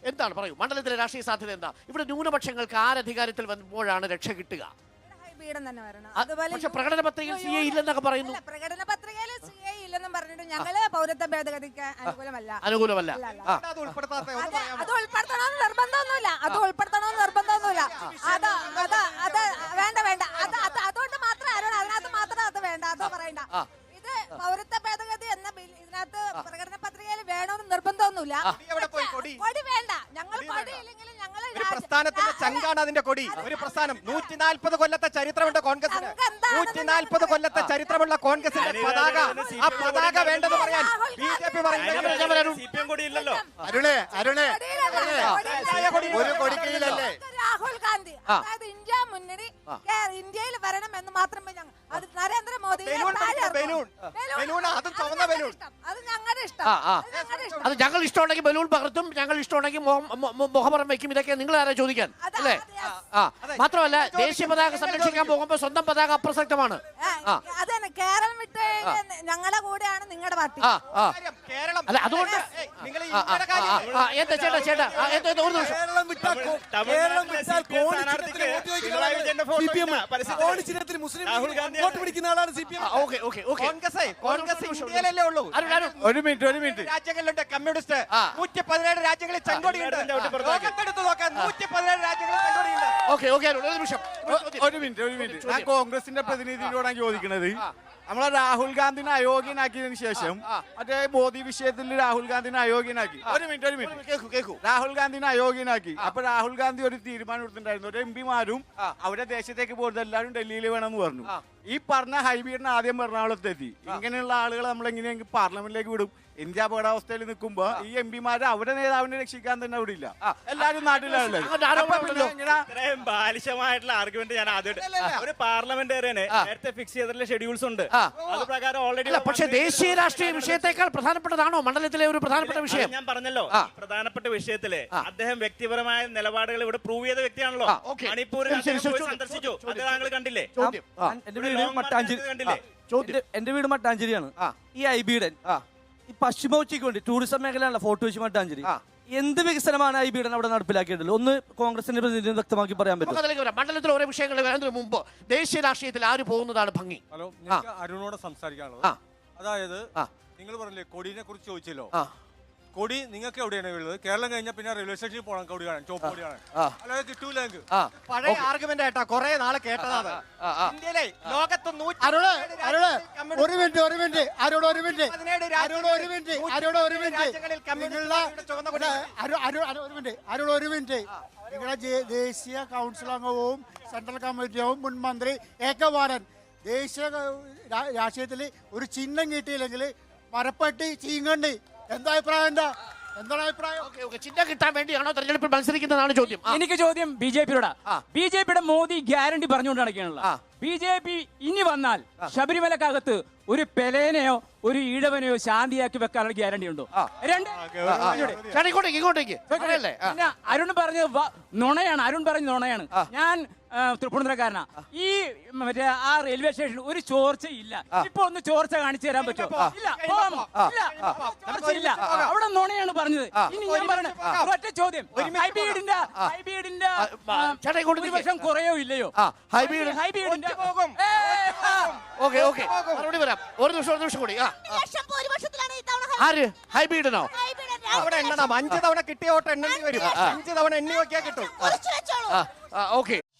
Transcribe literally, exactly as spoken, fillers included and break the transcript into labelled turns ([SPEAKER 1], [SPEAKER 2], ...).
[SPEAKER 1] എന്താണ് പറയൂ, മണ്ഡലത്തിലെ രാഷ്ട്രീയ സാധ്യത എന്താ? ഇവിടെ ന്യൂനപക്ഷങ്ങൾക്ക് ആരധികാരത്തിൽ വരുമ്പോഴാണ് രക്ഷ കിട്ടുക? പക്ഷെ പ്രകടന പത്രികയിൽ സി എ ഇല്ലെന്നൊക്കെ പറയുന്നു.
[SPEAKER 2] പ്രകടന പത്രികയിൽ സി എ ഇല്ലെന്നും പറഞ്ഞിട്ട് ഞങ്ങള് പൗരത്വ ഭേദഗതിക്ക് അനുകൂലമല്ല.
[SPEAKER 1] അനുകൂലമല്ല.
[SPEAKER 2] അത് ഉൾപ്പെടുത്തണമെന്ന് നിർബന്ധമൊന്നുമില്ല. അത് ഉൾപ്പെടുത്തണമെന്ന് നിർബന്ധമൊന്നുമില്ല. അത് അത് അത് വേണ്ട വേണ്ട അത് അത് അതുകൊണ്ട് മാത്രം ആരോട് അതിനകത്ത് മാത്രം അത് വേണ്ട, അത് പറയണ്ട. ഇത് പൗരത്വ ഭേദഗതി എന്ന ബിൽ ഇതിനകത്ത് പ്രകടന പത്രികയിൽ വേണമെന്ന് നിർബന്ധമൊന്നുമില്ല. കൊടി വേണ്ട. ഞങ്ങൾ കൊടി ഇല്ലെങ്കിലും ഞങ്ങൾ
[SPEAKER 3] പ്രസ്ഥാനത്തിന്റെ ചങ്കാണ് അതിന്റെ കൊടി. ഒരു പ്രസ്ഥാനം നൂറ്റി നാൽപ്പത് കൊല്ലത്തെ ചരിത്രമുണ്ട് കോൺഗ്രസിന്. നൂറ്റി നാൽപ്പത് കൊല്ലത്തെ ചരിത്രമുള്ള കോൺഗ്രസിന്റെ പതാക, ആ പതാക വേണ്ടെന്ന് പറയാൻ ബി ജെ പി പറയുന്നത്.
[SPEAKER 4] അരുണേ അരുണേ ഒരു കൊടിക്കീഴിലല്ലേ
[SPEAKER 2] രാഹുൽ ഗാന്ധി അതായത് ഇന്ത്യ മുന്നണി ഇന്ത്യയിൽ വരണം എന്ന് മാത്രമേ ഞങ്ങൾ അത് നരേന്ദ്രമോദി
[SPEAKER 3] അത്
[SPEAKER 2] ഞങ്ങളുടെ ഇഷ്ടം.
[SPEAKER 1] അത് ഞങ്ങൾ ഇഷ്ടമുണ്ടെങ്കിൽ ബലൂൺ പകർത്തും, ഞങ്ങൾ ഇഷ്ടമുണ്ടെങ്കിൽ മുഖപുറം വെക്കും. ഇതൊക്കെ നിങ്ങൾ ആരാ ചോദിക്കാൻ അല്ലേ? ആ മാത്രമല്ല ദേശീയ പതാക സംരക്ഷിക്കാൻ പോകുമ്പോ സ്വന്തം പതാക അപ്രസക്തമാണ്.
[SPEAKER 2] അതന്നെ കേരളം വിട്ട് ഞങ്ങളുടെ കൂടെയാണ് നിങ്ങളുടെ പാർട്ടി.
[SPEAKER 1] അല്ല അതുകൊണ്ട് എന്താ ചേട്ടാ ചേട്ടാ ഒരു നിമിഷം.
[SPEAKER 4] ഒരു മിനിറ്റ് ഒരു മിനിറ്റ്
[SPEAKER 3] രാജ്യങ്ങളിലുണ്ട് കമ്മ്യൂണിസ്റ്റ്. നൂറ്റി പതിനേഴ് രാജ്യങ്ങളിൽ ചെങ്കോടിയുണ്ട്. നൂറ്റി പതിനേഴ് രാജ്യങ്ങളിൽ ചെങ്കോടിയുണ്ട്.
[SPEAKER 4] ഒരു മിനിറ്റ് ഒരു മിനിറ്റ് ഞാൻ കോൺഗ്രസിന്റെ പ്രതിനിധിയോടാണ് ചോദിക്കുന്നത്. നമ്മളെ രാഹുൽ ഗാന്ധിനെ അയോഗ്യനാക്കിയതിനു ശേഷം മറ്റേ മോദി വിഷയത്തിൽ രാഹുൽ ഗാന്ധിനെ അയോഗ്യനാക്കി. ഒരു മിനിറ്റ് ഒരു മിനിറ്റ് കേൾക്കൂ കേൾക്കൂ രാഹുൽ ഗാന്ധിനെ അയോഗ്യനാക്കി. അപ്പൊ രാഹുൽ ഗാന്ധി ഒരു തീരുമാനം എടുത്തിട്ടുണ്ടായിരുന്നു. ഒരു എം പിമാരും അവരുടെ ദേശത്തേക്ക് പോകുന്നത് എല്ലാവരും ഡൽഹിയിൽ വേണമെന്ന് പറഞ്ഞു. ഈ പറഞ്ഞ ഹൈബീഡിനെ ആദ്യം എറണാകുളത്ത് എത്തി. ഇങ്ങനെയുള്ള ആളുകളെ നമ്മൾ എങ്ങനെയെങ്കിലും പാർലമെന്റിലേക്ക് വിടും? ഇന്ത്യ അപകടാവസ്ഥയിൽ നിൽക്കുമ്പോ ഈ എം പിമാര് അവരുടെ നേതാവിനെ രക്ഷിക്കാൻ തന്നെ അവിടെ ഇല്ല. എല്ലാവരും നാട്ടിലാണല്ലോ.
[SPEAKER 5] ഇത്രയും ബാലിശമായിട്ടുള്ള ആർഗ്യുമെന്റ് ഞാൻ ആദ്യമായിട്ട് ഒരു പാർലമെന്റേറിയന് നേരത്തെ ഫിക്സ് ചെയ്തിട്ടുള്ള ഷെഡ്യൂൾസ് ഉണ്ട്. അത് പ്രകാരം ഓൾറെഡി.
[SPEAKER 1] പക്ഷേ ദേശീയ രാഷ്ട്രീയ വിഷയത്തെക്കാൾ പ്രധാനപ്പെട്ടതാണോ മണ്ഡലത്തിലെ ഒരു പ്രധാനപ്പെട്ട വിഷയം?
[SPEAKER 5] ഞാൻ പറഞ്ഞല്ലോ, പ്രധാനപ്പെട്ട വിഷയത്തില് അദ്ദേഹം വ്യക്തിപരമായ നിലപാടുകൾ ഇവിടെ പ്രൂവ് ചെയ്ത വ്യക്തിയാണല്ലോ. മണിപ്പൂർ സന്ദർശിച്ചു, അത് താങ്കൾ കണ്ടില്ലേ?
[SPEAKER 6] എന്റെ വീട് മട്ടാഞ്ചേരിയാണ്. ഈ ഐബിയുടെ ഈ പശ്ചിമ ഉച്ചയ്ക്ക് വേണ്ടി ടൂറിസം മേഖലയാണല്ലോ ഫോർട്ട് കൊച്ചി മട്ടാഞ്ചേരി. എന്ത് വികസനമാണ് ഈ ബീഡൻ അവിടെ നടപ്പിലാക്കിയിട്ടുള്ളത്? ഒന്ന് കോൺഗ്രസിന്റെ പ്രതിനിധി വ്യക്തമാക്കി പറയാൻ പറ്റും?
[SPEAKER 1] മണ്ഡലത്തിൽ ഓരോ വിഷയങ്ങൾ വരുന്നതിന് മുമ്പ് ദേശീയ രാഷ്ട്രീയത്തിൽ ആര് പോകുന്നതാണ് ഭംഗി?
[SPEAKER 7] ഹലോ, അരുണോട് സംസാരിക്കാനുള്ളത്. അതായത് നിങ്ങൾ പറഞ്ഞില്ലേ കൊടിനെ കുറിച്ച് ചോദിച്ചല്ലോ. കൊടി നിങ്ങൾക്ക് എവിടെയാണ് ഉള്ളത്? കേരളം കഴിഞ്ഞാൽ പിന്നെ റെയിൽവേ സ്റ്റേഷനിൽ പോകണം കൊടി കാണാൻ, ചോപ്പ് കൊടി കാണാൻ. അല്ലാതെ കിട്ടൂല.
[SPEAKER 3] പഴയ ആർഗ്യുമെന്റ് ആയിട്ടാ കുറെ നാളെ കേട്ടതാണ്. ഇന്ത്യയിലെ ലോകത്ത്
[SPEAKER 4] ഒരു മിനിറ്റ് ഒരു മിനിറ്റ് അരോട് ഒരു മിനിറ്റ് അരോട് ഒരു മിനിറ്റ് അരോട് ഒരു മിനിറ്റ് അരോട് ഒരു മിനിറ്റ് നിങ്ങളുടെ ദേശീയ കൗൺസിൽ അംഗവും സെൻട്രൽ കമ്മിറ്റി അംഗവും മുൻ മന്ത്രി എ കെ ബാലൻ ദേശീയ രാഷ്ട്രീയത്തിൽ ഒരു ചിഹ്നം കിട്ടിയില്ലെങ്കിൽ മരപ്പട്ടി ചീങ്കണ്ടി. എന്താ അഭിപ്രായം? എന്താ എന്താണ് അഭിപ്രായം?
[SPEAKER 1] ചിഹ്നം കിട്ടാൻ വേണ്ടിയാണോ തെരഞ്ഞെടുപ്പിൽ മത്സരിക്കുന്നതാണ് ചോദ്യം.
[SPEAKER 8] എനിക്ക് ചോദ്യം ബി ജെ പിയോടാ. ബി ജെ പിയുടെ മോദി ഗ്യാരണ്ടി പറഞ്ഞുകൊണ്ട് നടക്കുകയാണല്ലോ. ബി ജെ പി ഇനി വന്നാൽ ശബരിമലക്കകത്ത് ഒരു പെലേനെയോ ഒരു ഈഴവനെയോ ശാന്തിയാക്കി വെക്കാനുള്ള ഗ്യാരണ്ടി ഉണ്ടോ? രണ്ട് പിന്നെ അരുൺ പറഞ്ഞത് നുണയാണ്. അരുൺ പറഞ്ഞ നുണയാണ്. ഞാൻ തൃപ്പൂണിത്തുറക്കാരനാ. ഈ മറ്റേ ആ റെയിൽവേ സ്റ്റേഷനിൽ ഒരു ചോർച്ചയില്ല. ഇപ്പൊ ഒന്ന് ചോർച്ച കാണിച്ചു തരാൻ പറ്റുമോ? ഇല്ല. ചോർച്ചയില്ല. അവിടെ നുണയാണ് പറഞ്ഞത്. ഇനി ഞാൻ പറഞ്ഞ ഒറ്റ ചോദ്യം, ഹൈബീഡിന്റെ ഹൈബീഡിന്റെ ഭൂരിപക്ഷം കുറയോ ഇല്ലയോ? ഹൈബീഡിന്റെ
[SPEAKER 1] ഒരു നിമിഷം ഒരു നിമിഷം കൂടി. ആര് ഹൈബീഡിനോ?
[SPEAKER 3] അവിടെ എണ്ണണം. അഞ്ച് തവണ കിട്ടിയ വോട്ട് എണ്ണേണ്ടി വരും. അഞ്ച് തവണ എണ്ണി നോക്കിയാൽ കിട്ടും.
[SPEAKER 1] ഓക്കെ.